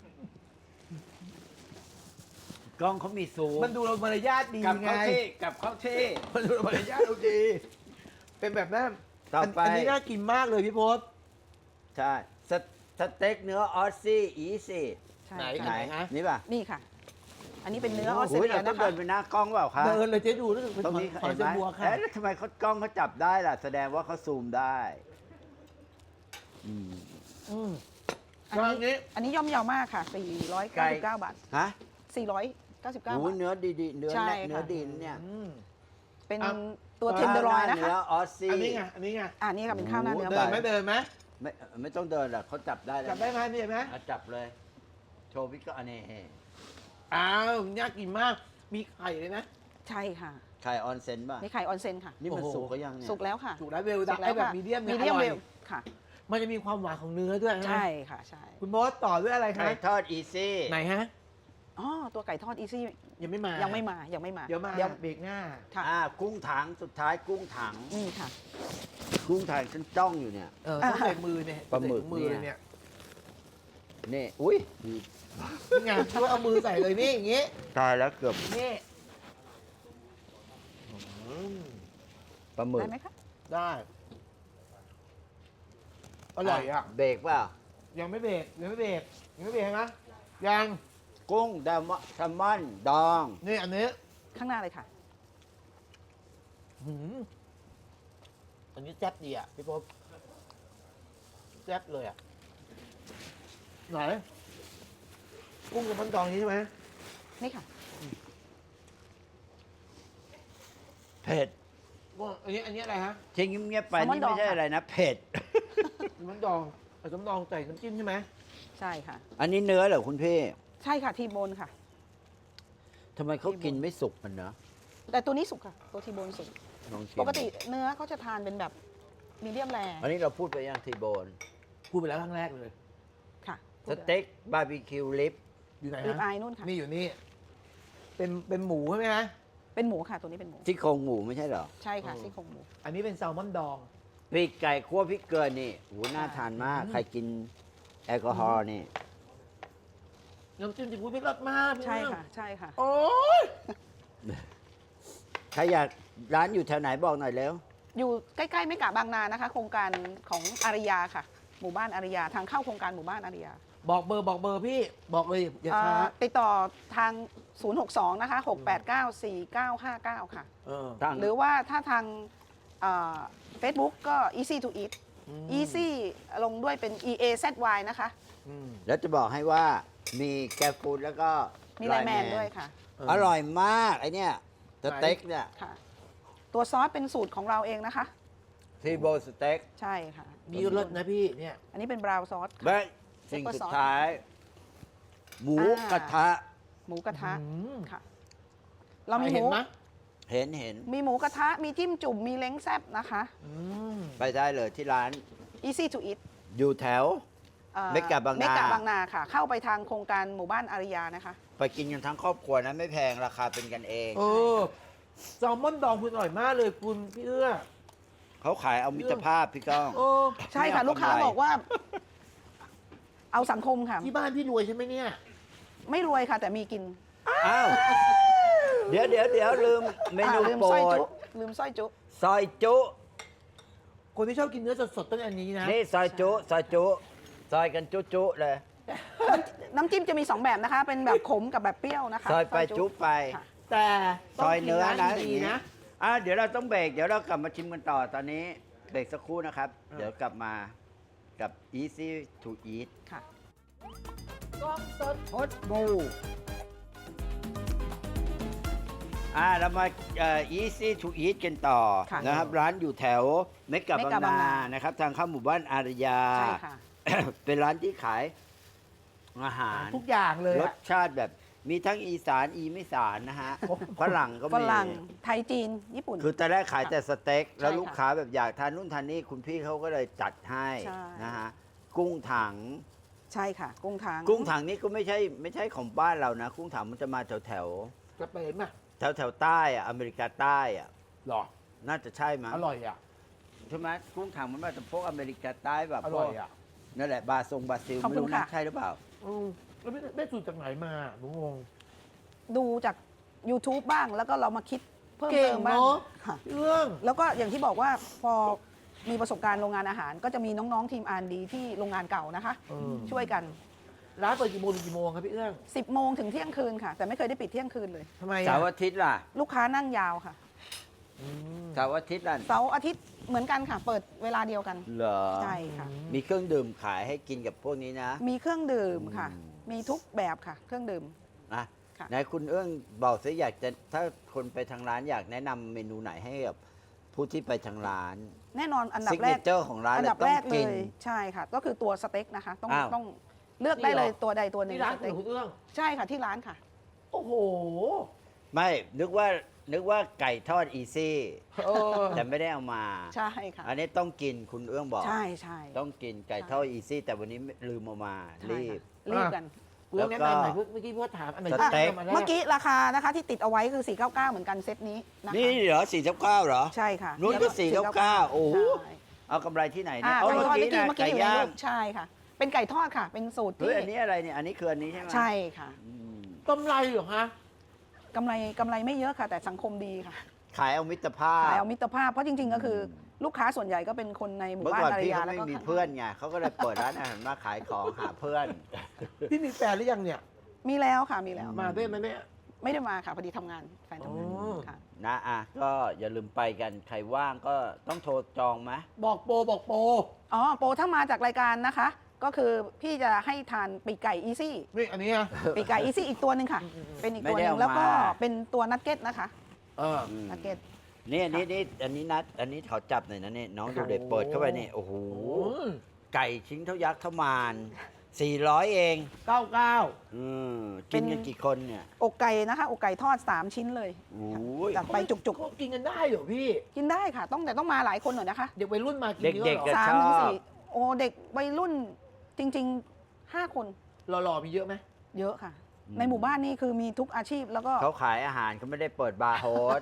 [SPEAKER 2] กล้องเขามีซูม
[SPEAKER 1] มันดูเรามารยาทดี
[SPEAKER 2] กลับ
[SPEAKER 1] ไง
[SPEAKER 2] เข้าที่กลับเข้าที่
[SPEAKER 1] มันดูเรามารยาทเราดี เป็นแบบนั้น
[SPEAKER 2] ต่อไป
[SPEAKER 1] นนี้น่ากินมากเลยพี่พศ
[SPEAKER 2] ใช่สสเต็กเนื้อออสซี่อีซี่
[SPEAKER 3] ใช่
[SPEAKER 1] ไหน
[SPEAKER 3] ค่ะ
[SPEAKER 2] ไหน
[SPEAKER 1] ฮะ
[SPEAKER 2] นี่ป่ะ
[SPEAKER 3] นี่ค่ะ อันนี้เป็นเนื้อออสเตร
[SPEAKER 2] โอ้ย
[SPEAKER 3] เลี
[SPEAKER 2] เรา
[SPEAKER 3] ย
[SPEAKER 2] ต้อ
[SPEAKER 3] นะ
[SPEAKER 2] ง
[SPEAKER 3] คะ
[SPEAKER 2] เดินไปหน้ากล้องเปล่าคะ
[SPEAKER 1] เดินเลยเจ๊ดูรู้สึกเป็น
[SPEAKER 2] ตรงนี้
[SPEAKER 1] ขอ
[SPEAKER 2] เห็น
[SPEAKER 1] เจ
[SPEAKER 2] ไหม
[SPEAKER 1] บัวค่ะ
[SPEAKER 2] เอ๊ะแล้วทำไมเขากล้องเขาจับได้ล่ะ แสดงว่าเขาซูมได้อืม
[SPEAKER 1] อืม
[SPEAKER 3] อัน
[SPEAKER 1] ร้าน
[SPEAKER 3] นี้
[SPEAKER 1] นี้
[SPEAKER 3] อันนี้ย่อมเยาวมากค่ะ สี่ร้อยเก้าสิบเก้า บาท
[SPEAKER 2] ฮะ
[SPEAKER 3] สี่ร้อยเก้าสิบเก้า
[SPEAKER 2] โอ้
[SPEAKER 3] บาย ท
[SPEAKER 2] เนื้อดีๆเนื้อ
[SPEAKER 3] ใช่
[SPEAKER 2] แน่
[SPEAKER 3] ค่ะ
[SPEAKER 2] เนื้อดีนะเนี่ย
[SPEAKER 1] อืม
[SPEAKER 3] เป็น
[SPEAKER 1] อ่ะ
[SPEAKER 3] ตัวเทนเดอร์ลอยนะ
[SPEAKER 2] เนื้
[SPEAKER 3] คะ
[SPEAKER 2] อออสซี่
[SPEAKER 1] อันนี้ไงอันนี้ไง
[SPEAKER 3] อ่านี่ค่ะเป็นข้าวหน้าเนื้อ
[SPEAKER 2] โอ้
[SPEAKER 1] เดิน
[SPEAKER 2] ไป
[SPEAKER 1] ไหมเดินไหม
[SPEAKER 2] ไม่ไม่ต้องเดินหรอกเขาจับได้แล้ว
[SPEAKER 1] จับได้ไหมนี่เห็นไหม
[SPEAKER 2] อ่ะจับเลย โชว์พี่ก็อันนี้
[SPEAKER 1] อ้าวน่ากินมากมีไข่เลยนะ
[SPEAKER 3] ใช่ค่ะ
[SPEAKER 2] ไข่ออนเซนป่ะ
[SPEAKER 3] นี่ไข่ออนเซนค่ะ
[SPEAKER 2] นี่มัน
[SPEAKER 1] โอ้โห
[SPEAKER 2] สุกก็ยังเนี่ย
[SPEAKER 3] สุกแล้วค่ะ
[SPEAKER 1] ถูกแล้วเวล
[SPEAKER 3] สุ
[SPEAKER 1] ดั
[SPEAKER 3] ก
[SPEAKER 1] ไอ้แบบ
[SPEAKER 3] ค่ะ
[SPEAKER 1] มีเดียม
[SPEAKER 3] มี
[SPEAKER 1] เนี่ย
[SPEAKER 3] เดียม
[SPEAKER 1] อร่
[SPEAKER 3] เว
[SPEAKER 1] อย
[SPEAKER 3] ลค่ะ
[SPEAKER 1] มันจะมีความหวานของเนื้อด้วยนะ
[SPEAKER 3] ใช่ค่ะใช่
[SPEAKER 1] คุณโบอสต่อด้วยอะไรคะ
[SPEAKER 2] ไข่ทอดอีซี่
[SPEAKER 1] ไหนฮะ
[SPEAKER 3] อ๋อตัวไก่ทอดอีซี่
[SPEAKER 1] ยังไม่มา
[SPEAKER 3] ยั
[SPEAKER 1] ยัง
[SPEAKER 3] ไม่มายังไม่มา
[SPEAKER 1] เดี๋ยวมา
[SPEAKER 3] เดี๋ยว
[SPEAKER 1] เบรกหน้า
[SPEAKER 3] ค่ะ
[SPEAKER 2] อ่ากุ้งถังสุดท้ายกุ้งถัง
[SPEAKER 3] นี่ค่ะ
[SPEAKER 2] กุ้งถังฉันจ้องอยู่เนี่ย
[SPEAKER 1] เออต้องใส่มือเนี่ย
[SPEAKER 2] ปลาหมึก
[SPEAKER 1] ใส่มือ
[SPEAKER 2] เนี่ย
[SPEAKER 1] เนี่ย
[SPEAKER 2] นี่อุ้ย
[SPEAKER 1] นี่ไงช่วยเอามือใส่เลยนี่อย่างงี้
[SPEAKER 2] ตายแล้วเกือบ
[SPEAKER 1] นี่อืม
[SPEAKER 2] ปลาหมึก
[SPEAKER 3] ได้ไหมคะ
[SPEAKER 1] ได้ อร่อยอ่ะ
[SPEAKER 2] เบรกเปล่า
[SPEAKER 1] ยังไม่เบรกยังไม่เบรกยังไม่เบรกนะยัง
[SPEAKER 2] กุ้งแซลมอนแซลมอนดอง
[SPEAKER 1] นี่อันนี้
[SPEAKER 3] ข้างหน้าเลยค่ะ
[SPEAKER 1] หืมอันนี้แซ่บดีอ่ะพี่ป๊อบแซ่บเลยอ่ะไหนกุ้งกับมันดองนี้ใช่ไหม
[SPEAKER 3] นี่ค่ะ
[SPEAKER 2] เผ็ด
[SPEAKER 1] ว่าอันนี้อันนี้อะไรฮะ
[SPEAKER 2] ทิ้งเงียบๆไป
[SPEAKER 3] แซลมอน
[SPEAKER 2] นี่ไม่ใช่
[SPEAKER 3] ดองค่ะ
[SPEAKER 2] อะไรนะ เผ็ด
[SPEAKER 1] มันดองผสมดองใส่น้ำจิ้มใช่ไหม
[SPEAKER 3] ใช่ค่ะ
[SPEAKER 2] อันนี้เนื้อเหรอคุณพี่
[SPEAKER 3] ใช่ค่ะทีโบนค่ะ
[SPEAKER 2] ทำไมเขากินไม่สุกมันเนอะ
[SPEAKER 3] แต่ตัวนี้สุกค่ะ ตัวทีโบนสุก
[SPEAKER 2] ลองชิม
[SPEAKER 3] ปกติเนื้อเขาจะทานเป็นแบบมีเดียมแร
[SPEAKER 2] อันนี้เราพูดไปยังทีโบน
[SPEAKER 1] พูดไปแล้วครั้งแรกเลย
[SPEAKER 3] ค่ะ
[SPEAKER 2] สเต็กบาร์บีคิวลิป
[SPEAKER 1] อยู่ไหน
[SPEAKER 3] ริบอา
[SPEAKER 1] ฮะ
[SPEAKER 3] ยนู่นค่ะ
[SPEAKER 1] นี่อยู่นี่ เป็นเป็นหมูใช่ไหมฮะ
[SPEAKER 3] เป็นหมูค่ะ ตัวนี้เป็นหมู
[SPEAKER 2] ที่โครงหมูไม่ใช่เหรอ
[SPEAKER 3] ใช่ค่ะ
[SPEAKER 1] เออ
[SPEAKER 3] ซี่โครงหมู
[SPEAKER 1] อันนี้เป็นแซลมอนดอง
[SPEAKER 2] ปีกไก่คั่วพริกเกลือนี่โหน่าทานมาก
[SPEAKER 1] อืม
[SPEAKER 2] ใครกินแอลกอฮอล์นี่
[SPEAKER 1] น้ำจิ้มซีฟู้ดไม่รสมากพี่
[SPEAKER 3] ใช่
[SPEAKER 1] เอื้อง
[SPEAKER 3] ค่ะ ใช่ค่ะ
[SPEAKER 1] โอ้ย
[SPEAKER 2] ใครอยากร้านอยู่แถวไหนบอกหน่อยเร็ว
[SPEAKER 3] อยู่ใกล้ๆไม่กะบางนานะคะ โครงการของอาริยาค่ะ หมู่บ้านอาริยา ทางเข้าโครงการหมู่บ้านอาริยา
[SPEAKER 1] บอกเบอร์บอกเบอร์พี่ บอกเลยอย่าช้า
[SPEAKER 3] เอ่อติดต่อทาง ศูนย์หกสอง นะคะ หกแปดเก้า สี่เก้าห้าเก้า ค่ะ
[SPEAKER 1] เออ
[SPEAKER 2] ทาง
[SPEAKER 3] หรือว่าถ้าทางเฟซบุ๊กก็ easy to eat
[SPEAKER 1] ม
[SPEAKER 3] easy ลงด้วยเป็น e a z y นะคะ
[SPEAKER 1] อืม
[SPEAKER 2] แล้วจะบอกให้ว่ามีแกร็บฟูดแล้วก็
[SPEAKER 3] มีไลน์แมนด้วยค่ะ
[SPEAKER 1] เออ
[SPEAKER 2] อร่อยมากไอเนี่ยสเต็กเนี่ย
[SPEAKER 3] ค่ะ ตัวซอสเป็นสูตรของเราเองนะคะ
[SPEAKER 2] ทีโบสเต็ก
[SPEAKER 3] ใช่ค่ะ
[SPEAKER 1] มีรสนะพี่เนี่ย
[SPEAKER 3] อันนี้เป็นบราวน์ซอสค่ะ
[SPEAKER 2] และสิ่งสุดท้าย หมูกระทะ
[SPEAKER 3] หมูกระทะ
[SPEAKER 1] อืม
[SPEAKER 3] ค่ะ เรามีห
[SPEAKER 1] เห็
[SPEAKER 3] มู
[SPEAKER 1] นไหม
[SPEAKER 2] เห็นเห็น
[SPEAKER 3] มีหมูกระทะ มีจิ้มจุ่ม มีเล้งแซบนะคะ
[SPEAKER 1] อืม
[SPEAKER 2] ไปได้เลยที่ร้าน
[SPEAKER 3] easy to eat
[SPEAKER 2] อยู่แถว
[SPEAKER 3] อ่อ
[SPEAKER 2] เมกะบางนา
[SPEAKER 3] เมกะบางนาค่ะ เข้าไปทางโครงการหมู่บ้านอาริยานะคะ
[SPEAKER 2] ไปกินกันทั้งครอบครัวนะไม่แพงราคาเป็นกันเอง
[SPEAKER 1] เออแซลมอนดองคุณอร่อยมากเลยคุณพี่เอื้อ
[SPEAKER 2] เขาขายเอามิตรภาพพี่ก้อง
[SPEAKER 1] โอ้
[SPEAKER 3] ใช่ค่ะ
[SPEAKER 2] ไม่เอา
[SPEAKER 3] ลูกค้าก
[SPEAKER 2] ำไร
[SPEAKER 3] บอกว่า เอาสังคมค่ะ
[SPEAKER 1] ที่บ้านพี่รวยใช่ไหมเนี่ย
[SPEAKER 3] ไม่รวยค่ะ แต่มีกิน
[SPEAKER 2] อ้าว เดี๋ยวเดี๋ยวเดี๋ยวลืมเมนู
[SPEAKER 3] อ่าลืม
[SPEAKER 2] โปร
[SPEAKER 3] สร้อย
[SPEAKER 2] ด
[SPEAKER 3] จุลืมสร้อยจุ
[SPEAKER 2] ซอยจุ
[SPEAKER 1] คนที่ชอบกินเนื้อสดๆต้องอันนี้นะ
[SPEAKER 2] นี่ซอยจุซอยจุซอยกันจุจุเลย
[SPEAKER 3] น้ำจิ้มจะมีสองแบบนะคะ เป็นแบบขมกับแบบเปรี้ยวนะคะ
[SPEAKER 2] ซอยไปจุไป
[SPEAKER 3] ค่ะ
[SPEAKER 1] แต่
[SPEAKER 2] ซอยเนื้อนะ
[SPEAKER 1] ต้งกิร้าดีๆนะ
[SPEAKER 2] อ่ะเดี๋ยวเราต้องเบรกเดี๋ยวเรากลับมาชิมกันต่อตอนนี้เบรกสักครู่นะครับ
[SPEAKER 1] อ่ะ
[SPEAKER 2] เดี๋ยวกลับมากับ easy to eat
[SPEAKER 3] ค่ะ
[SPEAKER 1] กล้องสด
[SPEAKER 2] พดบูอ่าเรามาเอ่อ easy to eat กันต่อ
[SPEAKER 3] ค่ะ
[SPEAKER 2] นะครับ ร้านอยู่แถวเมกะ
[SPEAKER 3] เม
[SPEAKER 2] บาง
[SPEAKER 3] กะบาง
[SPEAKER 2] นา
[SPEAKER 3] นา
[SPEAKER 2] นะครับ ทางเข้าหมู่บ้านอารยา
[SPEAKER 3] ใช่ค่ะ
[SPEAKER 2] เป็นร้านที่ขายอาหาร
[SPEAKER 1] ทุกอย่างเลย
[SPEAKER 2] ร
[SPEAKER 1] อะ
[SPEAKER 2] สชาติแบบมีทั้งอีสานอีไม่สานนะฮะฝรั่งก็
[SPEAKER 3] ฝ
[SPEAKER 2] มี
[SPEAKER 3] รั่ง ไทยจีน ญี่ปุ่น
[SPEAKER 2] คือแต่แรกขายแต่สเต็ก แล้ว
[SPEAKER 3] ใช่ค่ะ
[SPEAKER 2] ลูกค้าแบบอยากทานนู่นทานนี่คุณพี่เขาก็เลยจัดให้
[SPEAKER 3] ใช่
[SPEAKER 2] นะฮะกุ้งถัง
[SPEAKER 3] ใช่ค่ะ กุ้งทาง
[SPEAKER 2] กุ้งถังนี่ก็ไม่ใช่ไม่ใช่ของบ้านเรานะ กุ้งถังมันจะมาแถวแถว
[SPEAKER 1] กระเป๋มอ่ะ
[SPEAKER 2] แถวแถวๆใต้อะอเมริกาใต้อะ
[SPEAKER 1] หรอ
[SPEAKER 2] น่าจะใช่มั้ง
[SPEAKER 1] อร่อยอ่ะ
[SPEAKER 2] ใช่ไหมกุ้งถังมันมาจากพวกอเมริกาใต้แบบ
[SPEAKER 1] อ
[SPEAKER 2] พ
[SPEAKER 1] ร่
[SPEAKER 2] ว
[SPEAKER 1] อก ยอ่ะ
[SPEAKER 2] นั่นแหละบราซงบราซิล
[SPEAKER 3] ขอบ
[SPEAKER 2] ไม่
[SPEAKER 3] คุณ
[SPEAKER 2] รู้นะ
[SPEAKER 3] ค่ะ
[SPEAKER 2] ใช่หรือเปล่า
[SPEAKER 1] อืมแล้วไม่ได้สูตรจากไหนมาหนูงง
[SPEAKER 3] ดูจาก YouTube บ้าง แล้วก็เรามาคิดเพิ่ม
[SPEAKER 1] เก่
[SPEAKER 3] เติ
[SPEAKER 1] ง
[SPEAKER 3] มบ้าง
[SPEAKER 1] เนาะ
[SPEAKER 3] ค่ะ
[SPEAKER 1] เรื่อง
[SPEAKER 3] แล้วก็อย่างที่บอกว่าพอมีประสบการณ์โรงงานอาหาร ก็จะมีน้องๆทีม อาร์ แอนด์ ดี ที่โรงงานเก่านะคะ
[SPEAKER 1] เออ
[SPEAKER 3] ช่วยกัน
[SPEAKER 1] ร้านเปิดกี่โมงถึงกี่โมงครับพี่เอื้อง
[SPEAKER 3] สิบโมงถึงเที่ยงคืนค่ะ แต่ไม่เคยได้ปิดเที่ยงคืนเลย
[SPEAKER 1] ทำไม
[SPEAKER 2] เสา
[SPEAKER 1] อ่ะ
[SPEAKER 2] ร์อาทิตย์ล่ะ
[SPEAKER 3] ลูกค้านั่งยาวค่ะ
[SPEAKER 1] อืม
[SPEAKER 2] เสาร์อาทิตย์ล่ะ
[SPEAKER 3] เสาร์อาทิตย์เหมือนกันค่ะ เปิดเวลาเดียวกัน
[SPEAKER 2] เหรอ
[SPEAKER 3] ใช่ค่ะ
[SPEAKER 2] มีเครื่องดื่มขายให้กินกับพวกนี้นะ
[SPEAKER 3] มีเครื่องดื่มค่ะ
[SPEAKER 2] อืม
[SPEAKER 3] มีทุกแบบค่ะ เครื่องดื่ม
[SPEAKER 2] นะ
[SPEAKER 3] ค่ะ
[SPEAKER 2] ไหนคุณเอื้องบอกสิอยากจะถ้าคนไปทางร้านอยากแนะนำเมนูไหนให้กับผู้ที่ไปทางร้าน
[SPEAKER 3] แน่นอนอันดั
[SPEAKER 2] ซิ
[SPEAKER 3] บ
[SPEAKER 2] ก
[SPEAKER 3] แร
[SPEAKER 2] เน
[SPEAKER 3] ก
[SPEAKER 2] เจอร์ของร้าน
[SPEAKER 3] อัน
[SPEAKER 2] เลย
[SPEAKER 3] ดับ
[SPEAKER 2] ต้
[SPEAKER 3] แร
[SPEAKER 2] อง
[SPEAKER 3] กเล
[SPEAKER 2] กิน
[SPEAKER 3] ยใช่ค่ะ ก็คือตัวสเต็กนะคะ ต้อง
[SPEAKER 2] อ้าว
[SPEAKER 3] ต้องเลือกได้เลยตัวใดตัวหนึ่ง
[SPEAKER 1] ที่ร้าน
[SPEAKER 3] ส
[SPEAKER 1] คุ
[SPEAKER 3] เต็ก
[SPEAKER 1] ณเอื้อง
[SPEAKER 3] ใช่ค่ะที่ร้านค่ะ
[SPEAKER 1] โอ้โห
[SPEAKER 2] ไม่นึกว่านึกว่าไก่ทอดอีซี่
[SPEAKER 1] เออ
[SPEAKER 2] แต่ไม่ได้เอามา
[SPEAKER 3] ใช่ค่ะ
[SPEAKER 2] อันนี้ต้องกินคุณเอื้องบอก
[SPEAKER 3] ใช่ใช่
[SPEAKER 2] ต้องกินไก่ทอดอีซี่ แต่วันนี้ลืมเอามา
[SPEAKER 3] ใช่
[SPEAKER 2] รีบ
[SPEAKER 3] ค่ะรีบกัน
[SPEAKER 1] คุณเอื้องแนะนำหน่อยเมื่อกี้พี่ว่าถามอันไหน
[SPEAKER 2] ส
[SPEAKER 1] ที่
[SPEAKER 2] เต็ก
[SPEAKER 1] ทำมาแร
[SPEAKER 3] เมื่อกี้ราคานะคะที่ติดเอาไว้คือ สี่เก้าเก้า เหมือนกันเซตนี้นะคะ
[SPEAKER 2] นี่เหรอสี่เก้าเก้าเหรอ
[SPEAKER 3] ใช่ค่ะ
[SPEAKER 2] นู้นก็สี่เก้าเก้าโอ้โห
[SPEAKER 3] ใช่
[SPEAKER 2] เอากำไรที่ไหน
[SPEAKER 3] อ่า
[SPEAKER 2] เนี่ยเอา
[SPEAKER 3] ไก่
[SPEAKER 2] เมื่อ
[SPEAKER 3] ทอด
[SPEAKER 2] กี้
[SPEAKER 3] เมื่อกี้
[SPEAKER 2] นะ
[SPEAKER 3] เมื่อกี้อยู่ใน
[SPEAKER 2] ไก่ย่า
[SPEAKER 3] รู
[SPEAKER 2] ง
[SPEAKER 3] ปใช่ค่ะ เป็นไก่ทอดค่ะ เป็นสูตร
[SPEAKER 2] เฮ้
[SPEAKER 3] ที่
[SPEAKER 2] ยอันนี้อะไรเนี่ยอันนี้คืออันนี้ใช่ไหม
[SPEAKER 3] ใช่ค่ะ
[SPEAKER 2] อืม
[SPEAKER 1] กำไรเหรอฮะ
[SPEAKER 3] กำไรกำไรไม่เยอะค่ะ แต่สังคมดีค่ะ
[SPEAKER 2] ขายเอามิตรภาพ
[SPEAKER 3] ขายเอามิตรภาพเพราะจริง ๆ ก็คืออลูกค้าส่วนใหญ่ก็เป็นคนในหมู่
[SPEAKER 2] เมื่อ
[SPEAKER 3] บ้าน
[SPEAKER 2] ก่อน
[SPEAKER 3] อาร
[SPEAKER 2] พี่
[SPEAKER 3] ยา
[SPEAKER 2] เขา
[SPEAKER 3] แล้ว
[SPEAKER 2] ไม่
[SPEAKER 3] ก็
[SPEAKER 2] มี
[SPEAKER 3] ข้าง
[SPEAKER 2] เพื่อนไงเขาก็เลยเปิดร้านอาหารมาขายของหาเพื่อน
[SPEAKER 1] พี่มีแฟนหรือยังเนี่ย
[SPEAKER 3] มีแล้วค่ะมีแล้ว
[SPEAKER 1] มาด้วยไหมแม่
[SPEAKER 3] ไม่ได้มาค่ะพอดีทำงานแฟนทำงาน
[SPEAKER 1] อ๋อ
[SPEAKER 3] ค่ะ
[SPEAKER 2] นะอ่ะก็อย่าลืมไปกันใครว่างก็ต้องโทรจองไหม
[SPEAKER 1] บอกโปรบอกโปร
[SPEAKER 3] อ๋อโปรถ้ามาจากรายการนะคะก็คือพี่จะให้ทานปีกไก่อีซี่
[SPEAKER 1] นี่อันนี้นะ
[SPEAKER 3] ปีกไก่อีซี่อีกตัวหนึ่งค่ะ
[SPEAKER 1] อืมๆๆ
[SPEAKER 3] เป็นอีก
[SPEAKER 2] ไม่
[SPEAKER 3] ตัวห
[SPEAKER 2] ได้
[SPEAKER 3] นึ่ง
[SPEAKER 2] เอา
[SPEAKER 3] แล้วก็
[SPEAKER 2] มา
[SPEAKER 3] เป็นตัวนักเก็ตนะคะ
[SPEAKER 1] เออ
[SPEAKER 2] อืม
[SPEAKER 3] นักเก็ต
[SPEAKER 2] นี่อันนี้นี่อันนี้นัดอันนี้ขอจับหน่อยนะเนี่ยน้องดูเด็กเปิดเข้าไปนี่โอ้โห
[SPEAKER 1] โอ้
[SPEAKER 2] ไก่ชิ้นเท่ายักษ์เท่ามานสี่ร้อยเอง
[SPEAKER 1] เก้าเก้า
[SPEAKER 2] อืมกินกันกี่คนเนี่ย
[SPEAKER 3] อกไก่นะคะอกไก่ทอด สาม ชิ้นเลย
[SPEAKER 2] โอ้ย
[SPEAKER 3] จัดไปจุก
[SPEAKER 1] เขากินกันได้เหรอพี่
[SPEAKER 3] ๆ กินได้ค่ะ ต้องแต่ต้องมาหลายคนหน่อยนะคะ
[SPEAKER 1] เด็กวัยรุ่นมากินเยอะ
[SPEAKER 2] เด็ก
[SPEAKER 1] เหร
[SPEAKER 2] ๆ
[SPEAKER 1] อ
[SPEAKER 2] จะ
[SPEAKER 3] สาม
[SPEAKER 2] ชอบ
[SPEAKER 3] ถึงสี่โอ้เด็กวัยรุ่นจริงๆห้าคน
[SPEAKER 1] หล่อๆมีเยอะไหม
[SPEAKER 3] เยอะค่ะ
[SPEAKER 2] อืม
[SPEAKER 3] ในหมู่บ้านนี่คือมีทุกอาชีพแล้วก็
[SPEAKER 2] เขาขายอาหารเขาไม่ได้เปิดบาร์โฮส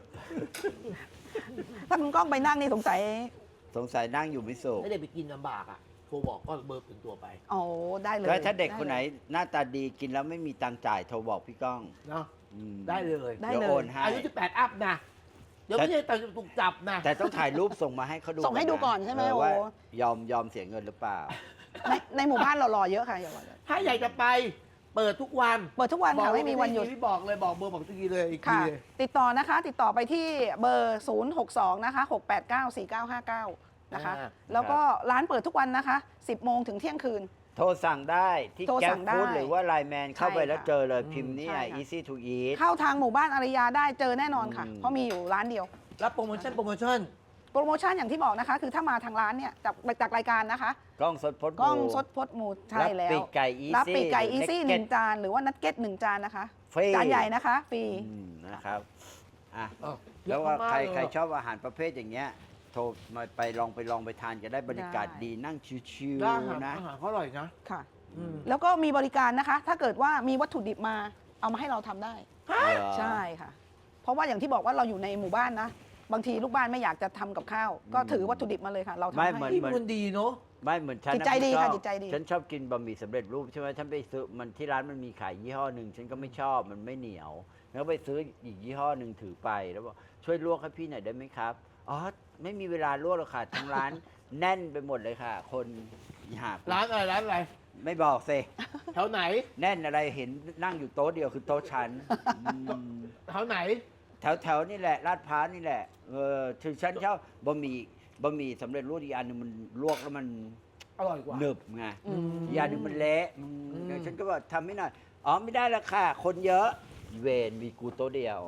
[SPEAKER 3] ถ้าคุณก้องไปนั่งนี่สงสัย
[SPEAKER 2] สงสัยนั่งอยู่ไม่สุข
[SPEAKER 1] ถ้าเด็กไปกินลำบากอ่ะโทรบอกก็เบอร์เป็นตัวไป
[SPEAKER 3] อ๋อได้เลย
[SPEAKER 2] ก็ถ้าเด็กคนไหน
[SPEAKER 3] ลย
[SPEAKER 2] หน้าตาดีกินแล้วไม่มีตังค์จ่ายโทรบอกพี่ก้อง
[SPEAKER 1] เนาะ
[SPEAKER 2] อืม
[SPEAKER 1] ได้เลย
[SPEAKER 3] ได้
[SPEAKER 2] เดี๋ยว
[SPEAKER 3] เลย
[SPEAKER 2] โอนให้
[SPEAKER 1] อายุสิบแปดอัพนะ เดี๋ยวไม่ใช่แต่ถูกจับนะ
[SPEAKER 2] แต่ต้องถ่ายรูปส่งมาให้เขาดู
[SPEAKER 3] ส่งให้ดูก่อนใช่ไหม
[SPEAKER 2] เ
[SPEAKER 3] โอ้
[SPEAKER 2] ว่ายอมยอมเสียเงินหรือเปล่า
[SPEAKER 3] ในในหมู่บ้านหล่อๆเยอะค่ะอย่าว่าเลย
[SPEAKER 1] ถ้าอยากจะไปเปิดทุกวัน
[SPEAKER 3] เปิดทุกวัน
[SPEAKER 1] บอก
[SPEAKER 3] ค่ะไม่มีวันหยุด
[SPEAKER 1] พี่บอกเลยบอกเบอร์บอกทีเลยอีกที
[SPEAKER 3] ค่ะ
[SPEAKER 1] เลย
[SPEAKER 3] ติดต่อนะคะ ติดต่อไปที่เบอร์ ศูนย์ หก สอง นะคะ หก แปด เก้า สี่ เก้า ห้า เก้า นะคะ
[SPEAKER 1] อ่า
[SPEAKER 3] แล้วก็ร้านเปิดทุกวันนะคะ สิบ โมงถึงเที่ยงคืน
[SPEAKER 2] โทรสั่งได้ที่
[SPEAKER 3] โทร
[SPEAKER 2] แก๊
[SPEAKER 3] สั่
[SPEAKER 2] ป
[SPEAKER 3] งได้
[SPEAKER 2] ฟู้ดหรือว่าไลน์แมนเข้าไป
[SPEAKER 3] ใช่
[SPEAKER 2] แล้ว
[SPEAKER 3] ค่ะ
[SPEAKER 2] เจอเลย
[SPEAKER 1] อืม
[SPEAKER 2] พิมพ์นี่
[SPEAKER 3] ใช่ค่ะ
[SPEAKER 2] easy to eat
[SPEAKER 3] เข้าทางหมู่บ้านอารยาได้เจอแน่นอนค่ะ
[SPEAKER 2] อืม
[SPEAKER 3] เพราะมีอยู่ร้านเดียว
[SPEAKER 1] รับโปรโมชั่นโปรโมชั่น
[SPEAKER 3] โปรโมชั่นอย่างที่บอกนะคะ คือถ้ามาทางร้านเนี่ยจากจากรายการนะคะ
[SPEAKER 2] กล้องสดพด
[SPEAKER 3] กล้อง
[SPEAKER 2] หมู่
[SPEAKER 3] สดพดหมูใช่
[SPEAKER 2] รับ
[SPEAKER 3] แล้ว
[SPEAKER 2] ปีกไก่อีซี่
[SPEAKER 3] รับปีกไก่อี
[SPEAKER 2] หรือ
[SPEAKER 3] ซี่ห
[SPEAKER 2] เน็
[SPEAKER 3] นึ่
[SPEAKER 2] ก
[SPEAKER 3] ง
[SPEAKER 2] เก็ต
[SPEAKER 3] จานหรือว่านัดเก็ตหนึ่งจานนะคะ
[SPEAKER 2] ฟรี
[SPEAKER 3] จานใหญ่นะคะฟรี
[SPEAKER 2] อืมนะครับอ่ะ
[SPEAKER 1] อ้าว
[SPEAKER 2] แล้วว่า
[SPEAKER 1] เยอะมาก
[SPEAKER 2] ใคร
[SPEAKER 1] เลย
[SPEAKER 2] ใครชอบอาหารประเภทอย่างเงี้ยโทรมาไปลองไปลองไปทานกันได้บรรยากาศ
[SPEAKER 3] ได้
[SPEAKER 2] ดีนั่งชิว
[SPEAKER 1] แล้วอาหาร
[SPEAKER 2] ๆนะ
[SPEAKER 1] อาหารเขาอร่อยนะ
[SPEAKER 3] ค่ะ
[SPEAKER 1] อืม
[SPEAKER 3] แล้วก็มีบริการนะคะ ถ้าเกิดว่ามีวัตถุดิบมาเอามาให้เราทำได้
[SPEAKER 2] เหรอ
[SPEAKER 3] ใช่ค่ะ เพราะว่าอย่างที่บอกว่าเราอยู่ในหมู่บ้านนะ บางทีลูกบ้านไม่อยากจะทำกับข้าว ก็ถือวัตถุดิบมาเลยค่ะ เราทำ
[SPEAKER 2] ไม่
[SPEAKER 3] ให้
[SPEAKER 2] เหมือน
[SPEAKER 1] พี่เป็นคนดีเนาะ
[SPEAKER 2] ไม่เหมือนฉัน
[SPEAKER 3] จิต
[SPEAKER 2] นะ
[SPEAKER 3] ใจดี
[SPEAKER 2] พี่
[SPEAKER 3] ค่ะ
[SPEAKER 2] ก้อง
[SPEAKER 3] จิตใจดี
[SPEAKER 2] ฉันชอบกินบะหมี่สำเร็จรูปใช่ไหมฉันไปซื้อมันที่ร้านมันมีขายยี่ห้อหนึ่งฉันก็ไม่ชอบมันไม่เหนียว แล้วไปซื้ออีกยี่ห้อหนึ่งถือไปแล้วบอกช่วยลวกให้พี่หน่อยได้ไหมครับอ๋อไม่มีเวลาลวกหรอกค่ะทั้งร้าน แน่นไปหมดเลยค่ะ คนหา
[SPEAKER 1] ร้านอะไรร้านอะไร
[SPEAKER 2] ไม่บอกสิ
[SPEAKER 1] แถวไหน
[SPEAKER 2] แน่นอะไรเห็นนั่งอยู่โต๊ะเดียวคือโต๊ะฉันอืม
[SPEAKER 1] แถวไหน
[SPEAKER 2] แถวแถวนี่แหละลาดพร้าวนี่แหละเออถึงฉันชอบบะหมี่บะหมี่สำเร็จรูปอีกอันหนึงมันลวกแล้วมัน
[SPEAKER 1] อร่อยกว่า
[SPEAKER 2] หนึบไง
[SPEAKER 3] อืม
[SPEAKER 2] อีกอันหนึงมันเละอืม
[SPEAKER 1] อืม
[SPEAKER 2] เดี๋ยวฉันก็บอกทำไม่หน่อยอ๋อไม่ได้ละค่ะ คนเยอะเวนมีกูโต๊ะเดียว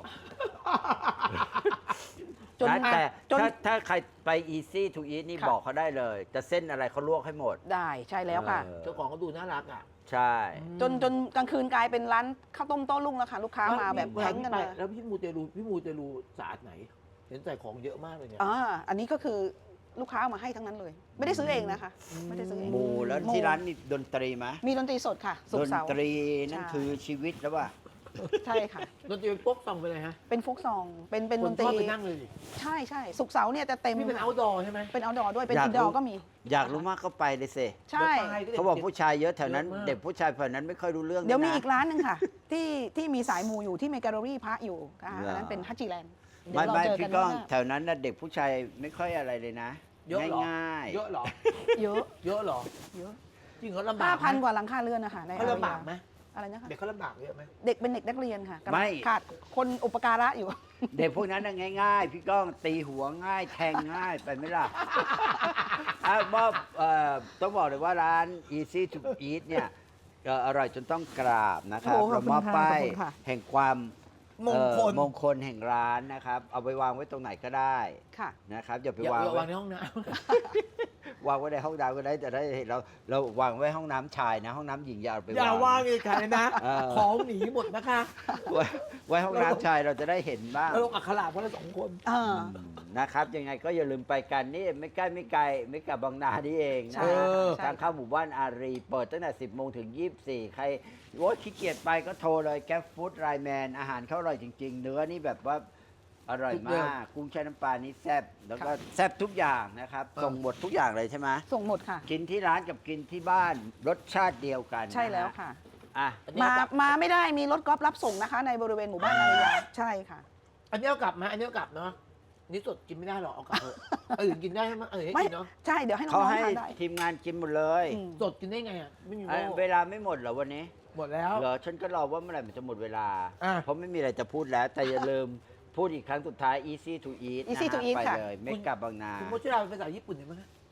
[SPEAKER 3] จน
[SPEAKER 2] นะแต่
[SPEAKER 3] จน
[SPEAKER 2] ถ้าถ้าใครไป easy to eat นี่
[SPEAKER 3] ค่ะ
[SPEAKER 2] บอกเขาได้เลย จะเส้นอะไรเขาลวกให้หมด
[SPEAKER 3] ได้ใช่แล้วค่ะ
[SPEAKER 2] เออ
[SPEAKER 1] เจ้าของเขาดูน่ารักอ่ะ
[SPEAKER 2] ใช่
[SPEAKER 3] จนจนกลางคืนกลายเป็นร้านข้าวต้มโต้รุ่งแล้วค่ะ ลูกค้ามาแบบ
[SPEAKER 1] เวล
[SPEAKER 3] แข่งกัน
[SPEAKER 1] พี่
[SPEAKER 3] มา
[SPEAKER 1] ไปแล้วพี่มูเตลูพี่มูเตลูสะอาดไหน เห็นใส่ของเยอะมากเลยเนี่ย
[SPEAKER 3] อ่าอันนี้ก็คือลูกค้าเอามาให้ทั้งนั้นเลย ไม่ได้ซื้อเองนะคะ ไม่ได้ซื้อเอง
[SPEAKER 2] หมูแล้ว
[SPEAKER 3] หมู่
[SPEAKER 2] ที่ร้านมีดนตรีไหม
[SPEAKER 3] มีดนตรีสดค่ะศุ
[SPEAKER 2] ด
[SPEAKER 3] ก
[SPEAKER 2] น
[SPEAKER 3] ร์เสาร์
[SPEAKER 2] ตรีนั่น
[SPEAKER 3] ใช่
[SPEAKER 2] คือชีวิตแล้วว่า
[SPEAKER 3] ใช่ค่ะ
[SPEAKER 1] ดนตรีโป๊กซองไปเลยฮะ
[SPEAKER 3] เป็นโฟกซอง เป็นเป็น
[SPEAKER 1] ค
[SPEAKER 3] ด
[SPEAKER 1] น
[SPEAKER 3] นต
[SPEAKER 1] ช
[SPEAKER 3] รี
[SPEAKER 1] อบไปนั่งเลยดิ
[SPEAKER 3] ใช่ใช่ศุกร์เสาร์เนี่ยจะเต็ม
[SPEAKER 1] นี่เป็น outdoor ใช่ไหม
[SPEAKER 3] เป็นเอาดอด้วยเป็น
[SPEAKER 2] อยาก
[SPEAKER 3] อินดอ
[SPEAKER 2] รู้
[SPEAKER 3] ร์ก็มี
[SPEAKER 2] อยากรู้มากก็ไปเลยสิ
[SPEAKER 3] ใช่
[SPEAKER 2] เขาบอกผู้ชายเยอะแถวนั้น
[SPEAKER 1] เยอะมาก
[SPEAKER 2] เด็กผู้ชายแถวนั้นไม่ค่อยรู้เรื่อง
[SPEAKER 3] เดี๋ยวมี
[SPEAKER 2] นะ
[SPEAKER 3] อีกร้านหนึ่งค่ะ ที่ที่มีสายมูอยู่ที่มีแกลเลอรี่พระอยู่ค่ะ
[SPEAKER 2] เหรออั
[SPEAKER 3] อันนั้นเป็นฮัจจิแลนด์เดี๋
[SPEAKER 2] ไม่
[SPEAKER 3] ยวเรา
[SPEAKER 2] ไม่
[SPEAKER 3] เจอกั
[SPEAKER 2] พี่
[SPEAKER 3] น
[SPEAKER 2] ก้อง
[SPEAKER 3] ข้างหน้า
[SPEAKER 2] แถวนั้นนะเด็กผู้ชายไม่ค่อยอะไรเลยนะ
[SPEAKER 1] เยอะเหรอ
[SPEAKER 2] ง่ายๆ
[SPEAKER 1] เยอะเหรอ
[SPEAKER 3] เยอะ
[SPEAKER 1] เยอะเหรอ
[SPEAKER 3] เยอะ
[SPEAKER 1] จริงเหรอลำบา
[SPEAKER 3] ห้าก
[SPEAKER 1] ไหม
[SPEAKER 3] พันกว่าหลังคาเรือนนะคะใน
[SPEAKER 1] เขาลำบากไหม
[SPEAKER 3] อะไรนะคะ
[SPEAKER 1] เด็กเขาลำบากเยอะไหม
[SPEAKER 3] เด็กเป็นเด็กนักเรียนค่ะกำลัง
[SPEAKER 2] ไม่
[SPEAKER 3] ขาดคนอุปการะอยู่
[SPEAKER 2] เด็กพวกนั้นน่ะง่าย ๆ พี่ก้องตีหัวง่าย แทงง่ายไปไหมล่ะ อ่ะมอบเอ่อต้องบอกเลยว่าร้าน easy to eat เนี่ยเอ่ออร่อยจนต้องกราบนะครับ
[SPEAKER 3] โอ้ขอบคุณ
[SPEAKER 2] เรามอบ
[SPEAKER 3] ค่ะ
[SPEAKER 2] ป้าย
[SPEAKER 3] ขอบคุณค่ะ
[SPEAKER 2] แห่งความ
[SPEAKER 1] มงคล
[SPEAKER 2] เอ่อมงคลแห่งร้านนะครับ เอาไปวางไว้ตรงไหนก็ได้
[SPEAKER 3] ค่ะ
[SPEAKER 2] นะครับอย่าไป
[SPEAKER 1] อย่าว
[SPEAKER 2] าง
[SPEAKER 1] อย่า
[SPEAKER 2] ไว้
[SPEAKER 1] วางในห้องน้
[SPEAKER 2] วางไว้ในห้องน้ำก็ได้แต่ได้เห็นเราเราวางไว้ห้องน้ำชายนะ ห้องน้ำหญิงอย่าเอาไป
[SPEAKER 1] ำอย่าวางเลยค่ะนะ
[SPEAKER 2] เออ
[SPEAKER 1] ของหนีหมดนะคะ
[SPEAKER 2] ไว้ไว้ห้องน้ำชายเราจะได้เห็นบ้าง
[SPEAKER 1] แล้วลงอักขระวันละสองคน
[SPEAKER 3] อ่า
[SPEAKER 2] อืมนะครับยังไงก็อย่าลืมไปกันนี่ไม่ใกล้ไม่ไกลไม่กับบางนานี่เอง
[SPEAKER 3] ใช่
[SPEAKER 2] นะ
[SPEAKER 1] เออ
[SPEAKER 2] ทางเข้าหมู่บ้านอารี เปิดตั้งแต่สิบโมงถึงยี่สิบสี่ใครโอ้ขี้เกียจไปก็โทรเลยแก๊ปฟู้ดไลแมนอาหารเขาอร่อยจริง ๆ เนื้อนี่แบบว่าอร่อยมากกุ้งแช่น้ำปลานี่แซ่บแล้วก็แซ่บทุกอย่างนะครับส่งหมดทุกอย่างเลยใช่ไหม
[SPEAKER 3] ส่งหมดค่ะ
[SPEAKER 2] กินที่ร้านกับกินที่บ้านรสชาติเดียวกัน
[SPEAKER 3] ใช่แล้ว
[SPEAKER 2] นฮ
[SPEAKER 3] ค่ะ
[SPEAKER 2] อ่ะ
[SPEAKER 1] อันนี้
[SPEAKER 3] มา
[SPEAKER 1] เอากลับ
[SPEAKER 3] มาไม่ได้มีรถกอล์ฟรับส่งนะคะ ในบริเวณหมู่บ้านอารยาใช่ค่ะ
[SPEAKER 1] อันนี้เอากลับมาอันนี้เอากลับเนาะนี่สดกินไม่ได้หรอกเอากลับเถอะเออกินได้ไหมเออให้
[SPEAKER 3] ไม่
[SPEAKER 1] กินเนาะ
[SPEAKER 3] ใช่เดี๋ยวให้น้
[SPEAKER 2] เขา
[SPEAKER 3] องๆ
[SPEAKER 2] ให้
[SPEAKER 3] ทานได้
[SPEAKER 2] ทีมงานกินหมดเลย
[SPEAKER 3] อืม
[SPEAKER 1] สดกินได้ไงอ่ะไม่มี
[SPEAKER 2] อ่ะ
[SPEAKER 1] โม่
[SPEAKER 2] เวลาไม่หมดเหรอวันนี้
[SPEAKER 1] หมดแล้ว
[SPEAKER 2] เหรอฉันก็รอว่าเมื่อไหร่มันจะหมดเวลา
[SPEAKER 1] อ่ะ
[SPEAKER 2] เพราะไม่มีอะไรจะพูดแล้ว แต่อย่าลืมพูดอีกครั้งสุดท้าย easy to eat
[SPEAKER 3] Easy
[SPEAKER 2] นะ
[SPEAKER 3] to
[SPEAKER 2] ฮะ
[SPEAKER 3] eat
[SPEAKER 2] ไป
[SPEAKER 3] ค่ะ
[SPEAKER 2] เลยเมกะบางนา
[SPEAKER 1] คุณโมช่วยเราเป็นภาษาญี่ปุ่นได้ไหมคะ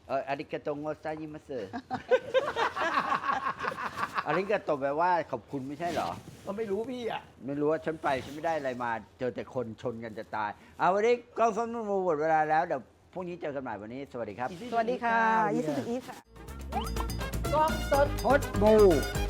[SPEAKER 2] เอออาริกาโตโงซายิมัสเซอร์ อาริกาโตแปลว่าขอบคุณไม่ใช่เหรอ
[SPEAKER 1] ก็ไม่รู้พี่อ่ะ
[SPEAKER 2] ไม่รู้ว่าฉันไปฉันไม่ได้อะไรมา เจอแต่คนชนกันจะตาย เอาวันนี้กล้องส้มนุ่นหมดเวลาแล้ว เดี๋ยวพรุ่งนี้เจอกันใหม่วันนี้ สวัสดีครับ
[SPEAKER 3] สวัสดีค่ะยี่สิบอีทค่ะ
[SPEAKER 1] กล้องสด
[SPEAKER 2] พดบู